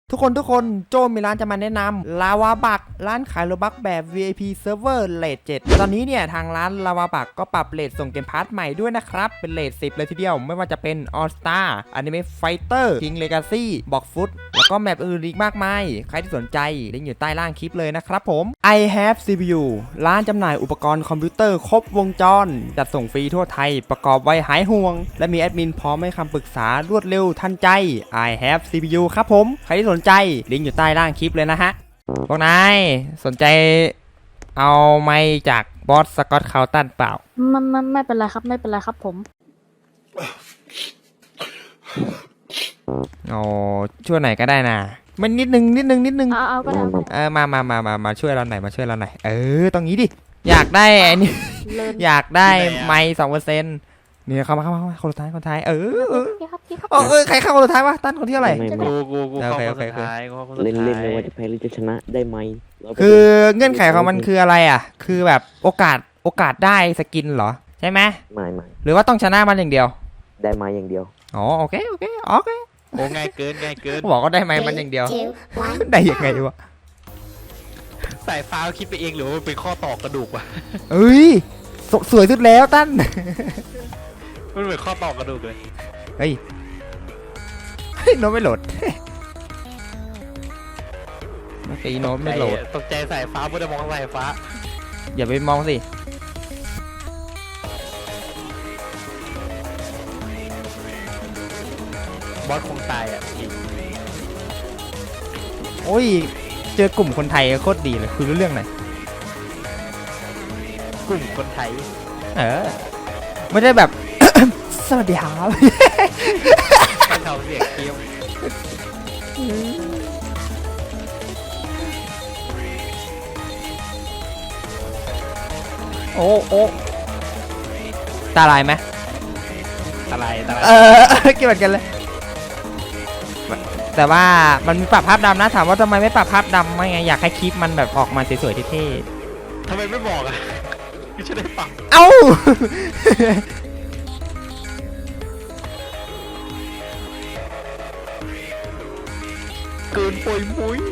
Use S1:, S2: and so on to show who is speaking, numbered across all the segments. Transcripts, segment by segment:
S1: ทุกคนโจมีร้านจะมาแนะนำลาวาบักร้านขายโลบักแบบ VIP Server เรท7ตอนนี้เนี่ยทางร้านลาวาบักก็ปรับเรทส่งเกมพาร์ทใหม่ด้วยนะครับเป็นเรท10เลยทีเดียวไม่ว่าจะเป็น All Star Anime Fighter King Legacy บอกฟุตแล้วก็แมปอื่นอีกมากมายใครที่สนใจลิงก์อยู่ใต้ล่างคลิปเลยนะครับผม I have CPU ร้านจำหน่ายอุปกรณ์คอมพิวเตอร์ครบวงจรจัดส่งฟรีทั่วไทยประกอบไว้หายห่วงและมีแอดมินพร้อมให้คำปรึกษารวดเร็วทันใจ I have CPU ครับผมใครที่สนใจลิงก์อยู่ใต้ล่างคลิปเลยนะฮะพวกนายสนใจเอาไมค์จากบอสสกอตคาวตันเปล่า
S2: ไม่เป็นไรครับไม่เป็นไรครับผม
S1: อ๋อช่วยไหนก็ได้นะมันนิดนึง
S2: เอาก็ได้
S1: มาช่วยเราหน่อยตรงนี้ดิอยากได้ไอ้นี่ อยากได้ไมค์2%เนี่ยเข้ามาคนสุดท้ายใครเข้าคนสุดท้ายวะตั้นคนที่เท่าไหร่
S3: กูเข้าคนสุดท้าย
S4: เล่นไม่ว่าจะแพ้หรือจะชนะได้ไหม
S1: คือเงื่อนไขของมันคืออะไรอ่ะคือแบบโอกาสได้สกินเหรอใช่ไหม
S4: ไม่
S1: หรือว่าต้องชนะมันอย่างเดียว
S4: ได้ไหมอย่างเดียว
S1: อ๋อโอเค
S3: โอ้ง่ายเกิน
S1: บอกก็ได้ไหมมันอย่างเดียวได้ยังไงวะ
S3: สายฟ้าคิดไปเองหรือว่าเป็นข้อต่อกระดูกวะ
S1: เอ้ยสวยสุดแล้วตั้น
S3: มันเป็นข้อต่อกระดูกเลย
S1: เฮ้ยโน้ตไม่โหลดเมื่อกี้โน้ตไม่โหลด
S3: ตกใจสายฟ้าไม่ได้มองสายฟ้า
S1: อย่าไปมองสิ
S3: บอสคงตายอ่ะ
S1: โอ้ยเจอกลุ่มคนไทยโคตรดีเลยคุยรู้เรื่องไหน
S3: กลุ่มคนไทย
S1: ไม่ได้แบบ สวัสดีครับ
S3: ให้เขาเสียงเคี้ยว
S1: โอ้ตาลายไหม
S3: ตาลาย
S1: เกี่ยวกันเลยแต่ว่ามันมีปรับภาพดำนะถามว่าทำไมไม่ปรับภาพดำไม่ไงอยากให้คลิปมันแบบออกมาสวยๆเท่
S3: ๆทำไมไม่บอกอ่ะไม่ใช่ได้ปรับ
S1: เอ้า
S3: เกินปุยมุ้ย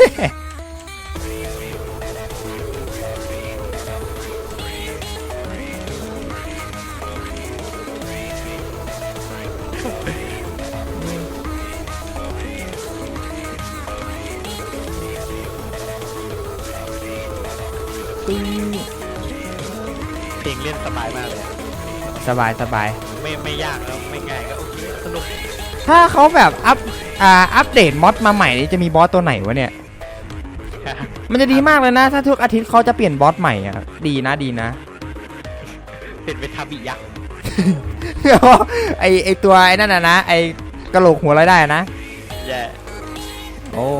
S3: เพลงเล่นสบายมากเลย
S1: สบาย
S3: ไม่ยากแล้วไม่ง่ายก็โอเคสนุก
S1: ถ้าเขาแบบอัปเดตมอดมาใหม่จะมีบอสตัวไหนวะเนี่ย มันจะดีมากเลยนะถ้าทุกอาทิตย์เขาจะเปลี่ยนบอสใหม่อ่ะดีนะ
S3: เปลี่ยนเป็นทาบิยักษ์
S1: ไอตัวไอ้นั่นนะไอกระโหลกหัวไรได้นะ
S3: แย่
S1: โอ้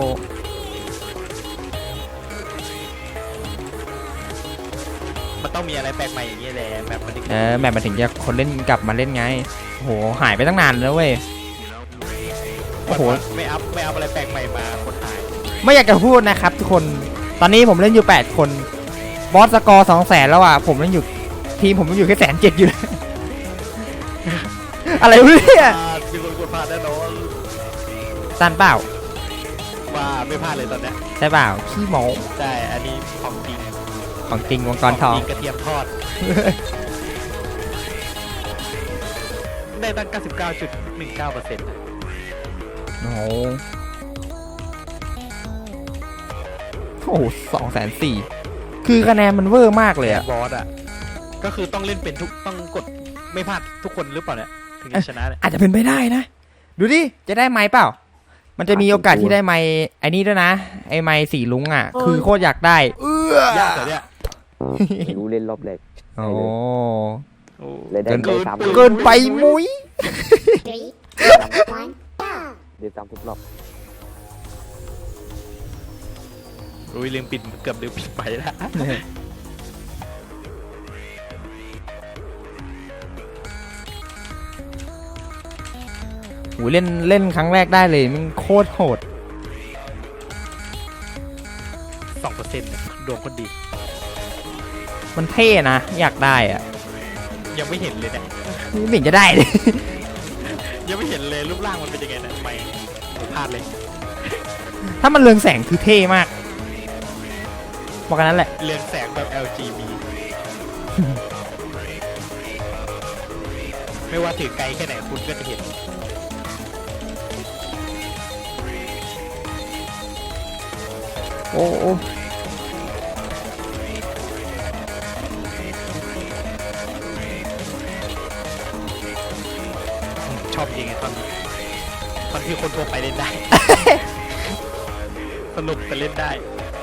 S3: มันต้องมีอะไรแปลกใหม่อย่างเงี้ยแหละแบบ
S1: มันถึงจะคนเล่นกลับมาเล่นไงโหหายไปตั้งนานแล้วเว้ย
S3: โอ้โหไม่อัพอะไรแปลกใหม่มาคนหาย
S1: ไม่อยากจะพูดนะครับทุกคนตอนนี้ผมเล่นอยู่8คนบอสสกอร์200,000แล้วอ่ะผมเล่นอยู่ทีมผมยังอยู่แค่170,000อยู่เลยอะไรวะเนี่ย
S3: มีคนกดพลาดแน่นอน
S1: ตันเปล่า
S3: ว่าไม่พลาดเลยตอนนี้
S1: ใช่เปล่าขี้โม้
S3: ใช่อันนี้ของจริง
S1: วงกรทอง
S3: กระเทียมทอดได้ตั้ง 99.19%
S1: โอ้โห240,000คือคะแนนมันเวอร์มากเลยอะ
S3: บอสอะก็คือต้องเล่นเป็นต้องกดไม่พลาดทุกคนหรือเปล่าเนี่ยถึงจะชนะเนี่ย
S1: อาจจะเป็นไปได้นะดูดิจะได้ไม้เปล่ามันจะมีโอกาสที่ได้ไม้ไอ้นี่ด้วยนะไอ้ไม้สีลุ้งอะคือโคตรอยากได้
S3: ยากเลยเนี่ย
S4: รู้เล่นรอบแรก
S1: โอ้
S4: เกิ
S1: นไปมุ้ย
S4: เดี๋ยวตามทุกรอบ
S3: ลืมปิดเกือบลืมปิดไปแล้ว
S1: โหเล่นครั้งแรกได้เลยมันโคตรโหด
S3: 2% ดวงคนดี
S1: มันเท่นะอยากได้อะ
S3: ยังไม่เห็นเลยเนี่ย
S1: ไม่เห็นจะได้เลย
S3: ยังไม่เห็นเลยรูปร่างมันเป็นยังไงนะไม่พลาดเลย
S1: ถ้ามันเรืองแสงคือเท่มากบอกกันนั้นแหละ
S3: เรืองแสงแบบ LGB ไม่ว่าถือไกลแค่ไหนคุณก็จะเห็น
S1: โอ้โอ้
S3: ชอบจริงไอ้ตอนที่คนทั่วไปเล่นได้ สนุกแต่เล่นได้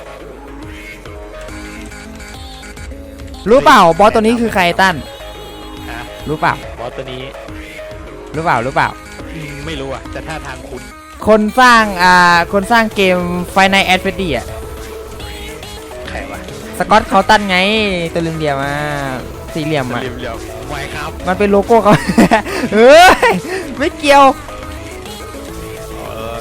S1: รู้เปล่าบอสตัวนี้คือใครตั้น
S3: ฮะ
S1: รู้เปล่า
S3: บอสตัวนี้
S1: รู้เปล่ารู้เปล่า
S3: ไม่รู้อ่ะแต่ท่าทางคุณ
S1: คนสร้างคนสร้างเกม Final Fantasy อ่ะ
S3: ใครวะ
S1: สกอตเขาตั้นไงตัวเหลี่ยมๆมาสี่เหลี่ยมอ่ะ
S3: เรียวๆไวครับ
S1: มันเป็นโลโก้เขา เฮ้ยไม่เกี่ยว
S3: เออ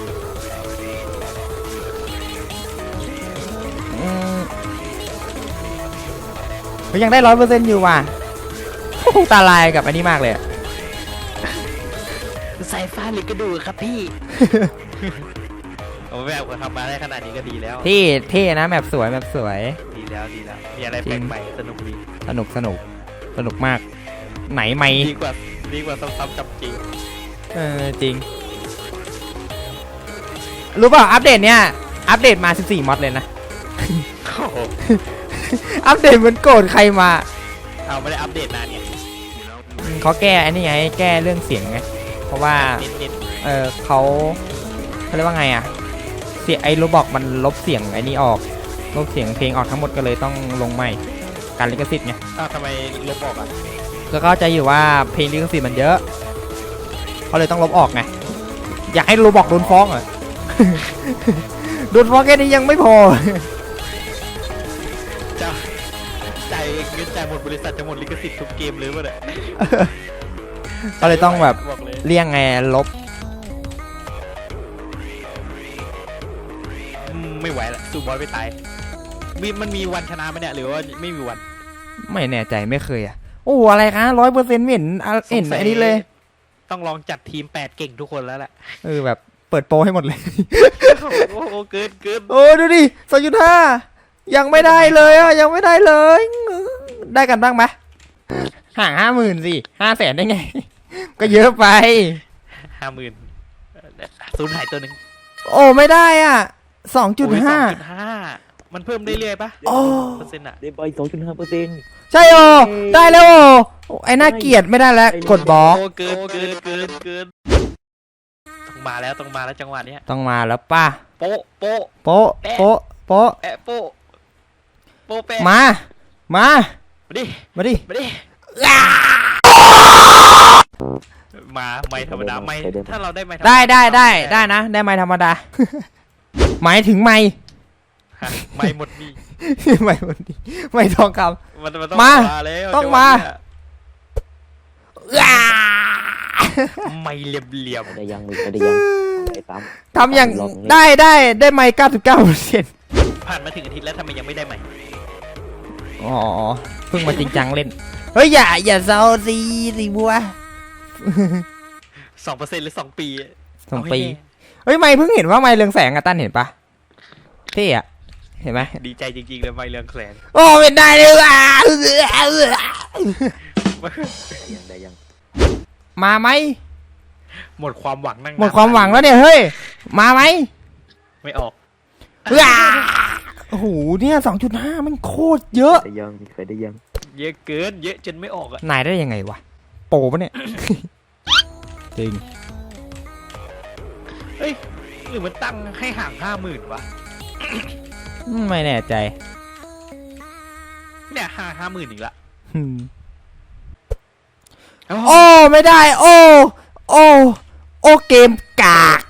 S1: เฮ้ยยังได้100%อยู่ว่ะโอ้โหตาลายกับอันนี้มากเลยอะ
S3: สายฟ้าหรือกระดูกครับพี่ โอ้แบบทำมาได้ขนาดนี้ก็ดีแล้ว
S1: เท่นะแมปสวยแมปสวย
S3: ดีแล้วมีอะไรแปลกใหม่สนุกดี
S1: สนุกสนุกมาก ไหนไม่
S3: ดีกว่าซ้ำๆจำจริง
S1: จริง รู้เปล่าอัปเดตเนี่ยอัปเดตมา14มอดเลยนะ
S3: โอ้โห
S1: อัปเดตเหมือนโกรธใครมา
S3: เอาไม่ได้อัปเดตนานเนี่ย
S1: เขาแก้อันนี้ไงแก้เรื่องเสียงไงเพราะว่า
S3: นิด
S1: เขาเรียกว่าไงอะเสียงไอ้โรบอกมันลบเสียงไอ้นี่ออกลบเสียงเพลงออกทั้งหมดก็เลยต้องลงใหม่การลิขสิทธิ์ไง
S3: อ้าวทำไมลบออกอ่ะ
S1: ก็เข้าใจอยู่ว่าเพลงลิขสิทธิ์มันเยอะเขาเลยต้องลบออกไงอยากให้โรบอกโดนฟ้องเหรอ โดนฟ้องแค่นี้ยังไม่พอ
S3: จะจ่ายเงินจ่ายหมดบริษัทจะหมดลิขสิทธิ์ทุกเกมเลยป่ะเนี่ย
S1: ก็เลยต้องแบบ
S3: บอกเลย
S1: เลี่ยงไงลบ
S3: ไม่ไหวละสู้บอสไม่ตายมันมีวันชนะไหมเนี่ยหรือว่าไม่มีวัน
S1: ไม่แน่ใจไม่เคยอะโอ้อะไรคะ100%ไม่เห็นเห็นอันนี้เลย
S3: ต้องลองจัดทีม8เก่งทุกคนแล้วแหละ
S1: แบบเปิดโปรให้หมดเลย
S3: โอ้โหเกิน
S1: โอ้ดูดิ2.5ยังไม่ได้เลยอ่ะยังไม่ได้เลย ได้กันบ้างไหมห่าง50,000สิ500,000ได้ไง ก็เยอะไป
S3: 50,000ศูนย์หายตัวหนึ่ง
S1: โอ้ไม่ได้อ่ะ
S3: โอ้ย
S1: 2.5
S3: 2.5มันเพิ่มเรื่อยๆปะ
S1: โอ้
S3: เปอร์เซ็นต์อะ
S4: ได้ไป2.5%
S1: ใช่โอได้แล้วโอ้ไอ้น่าเกลียดไม่ได้แล้วกดบล็อก
S3: โเกินต้องมาแล้วจังหวะเนี้ย
S1: ต้องมาแล้วป่ะ
S3: โป๊ะ
S1: โป๊ะโป๊ะโป๊ะ
S3: แปะโป๊ะแปะ
S1: มา
S3: มาดิ
S1: มาดิ
S3: มาไม่ธรรมดาไม่ถ้าเราได้ไม่ธรรม
S1: ได้นะได้ไม้ธรรมดา หมายถึงไม้
S3: ฮะไม่หมดนี่
S1: ไม้หมดดิไม้ทองคำ
S3: มันต้อง
S1: มา
S3: แล้ว
S1: ต้องมา
S3: ไม่เหลี่ยม
S4: ได้ยังได้ยังไอ้ปั๊ม
S1: ทำอย่างได้ไม้99%
S3: ผ่านมาถึงอาทิตย์แล้วทำไมยังไม่ได้ใหม่
S1: อ๋อเพิ่งมาจริงจังเล่นเฮ้ยอย่าเศร้าสิบัว
S3: 2%หรือ2 ปี
S1: 2 ปีเฮ้ยไม่เพิ่งเห็นว่าไม่เรืองแสงอะตั้นเห็นปะเท่อะเห็นไหม
S3: ดีใจจริงๆเลยไม่เรืองแสง
S1: โอ้เป็นได้เลยว่ะ
S4: ได้ยัง
S1: มาไหม
S3: หมดความหวังนั่ง
S1: หมดความหวังแล้วเนี่ยเฮ้ยมาไหม
S3: ไม่ออก
S1: โอ้โหเนี่ย 2.5 มันโคตรเยอะ
S4: ได้ยังเคยได้ยัง
S3: เยอะเกินเยอะจนไม่ออกอ่ะ
S1: นายได้ยังไงวะโปรปะเนี่ย จริง
S3: เฮ้ยหรือมันตั้งให้ห่าง 50,000วะ
S1: ไม่แน่ใจ
S3: เนี่ย50,000อีกละ
S1: โอ้ไม่ได้โอ้เกมกาก